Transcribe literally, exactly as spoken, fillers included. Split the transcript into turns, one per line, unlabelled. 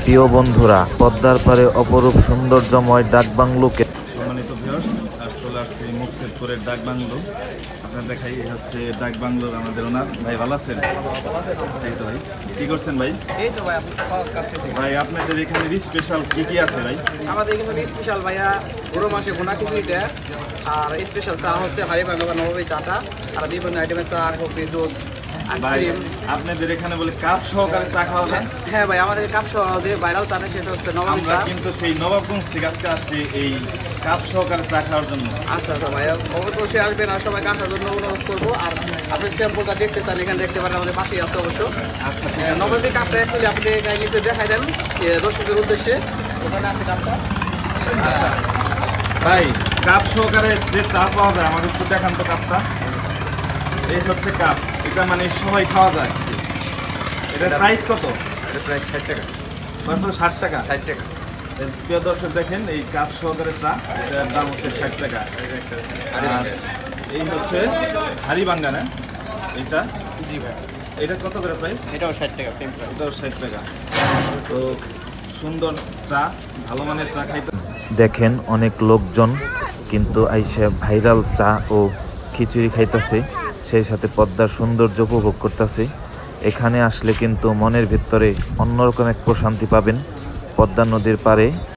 প্রিয় বন্ধুরা, পদ্মার পারে অপরূপ সৌন্দর্যময় ডাকবাংলোকে
সম্মানিত ভিউয়ার্স, আর চলে আসছি মুকসেদপুরের ডাক বাংলো। আপনার দেখাই এই হচ্ছে ডাক বাংলোর আমাদের ওনার ভাই। ভালো আছেন? এই তো ভাই, কি করছেন ভাই?
এই তো ভাই, আপনি সহজ কাটতেছি।
ভাই আপনাদের এখানে স্পেশাল কি কি আছে ভাই?
আমাদের এখানে স্পেশাল ভাইয়া গরু মাসে ভুনা খিচুড়িটা, আর স্পেশাল চা হচ্ছে হারি বাংলা বা নবাবী চাটা, আর বিভিন্ন আইটেমের চা, কফি, জুস,
ভাই
আইসক্রিম।
আপনাদের এখানে বলে কাপ সহকারে চা খাওয়া যায়?
হ্যাঁ ভাই, আমাদের কাপ সহ যে ভাইরাল চা নেই, সেটা হচ্ছে নবাবী
আমরা
চা।
কিন্তু সেই নবাবগঞ্জ থেকে আজকে আসছি এই কাপ সহকারে চা খাওয়ার জন্য।
আচ্ছা আচ্ছা ভাইয়া, অবশ্যই আসবেন, আর সবাইকে আসার জন্য অনুরোধ করবো। আর আপনি স্যাম্পলটা দেখতে চান, এখানে দেখতে পারেন, আমাদের পাশেই আছে অবশ্য।
আচ্ছা ঠিক আছে।
নবাবী কাপটা অ্যাকচুয়ালি আপনি নিতে দেখাই দেন এ, দর্শকদের উদ্দেশ্যে। ওখানে আছে কাপটা।
আচ্ছা ভাই, কাপ সহকারে যে চা পাওয়া যায় আমাদের একটু দেখান তো কাপটা। এই হচ্ছে কাপ, এটা মানে সবাই খাওয়া যায়। এটার প্রাইস কত?
এটা প্রায় ষাট টাকা।
মাত্র ষাট টাকা।
ষাট টাকা।
এর প্রিয় দর্শক দেখেন, এই কাপ সহকারে চা, এটার দাম হচ্ছে ষাট টাকা। আর এই হচ্ছে হাড়ি বাঙ্গা না এইটা,
জি ভাই,
এটা কত করে প্রাইস?
এটাও ষাট টাকা, সেম প্রাইস।
এটাও ষাট টাকা। তো সুন্দর চা, ভালো মানের চা খাইতে।
দেখেন অনেক লোকজন কিন্তু আইসে ভাইরাল চা ও খিচুড়ি খাইতেছে, সেই সাথে পদ্মার সৌন্দর্য উপভোগ করতেছে। এখানে আসলে কিন্তু মনের ভিতরে অন্যরকম এক প্রশান্তি পাবেন। পদ্মা নদীর পাড়ে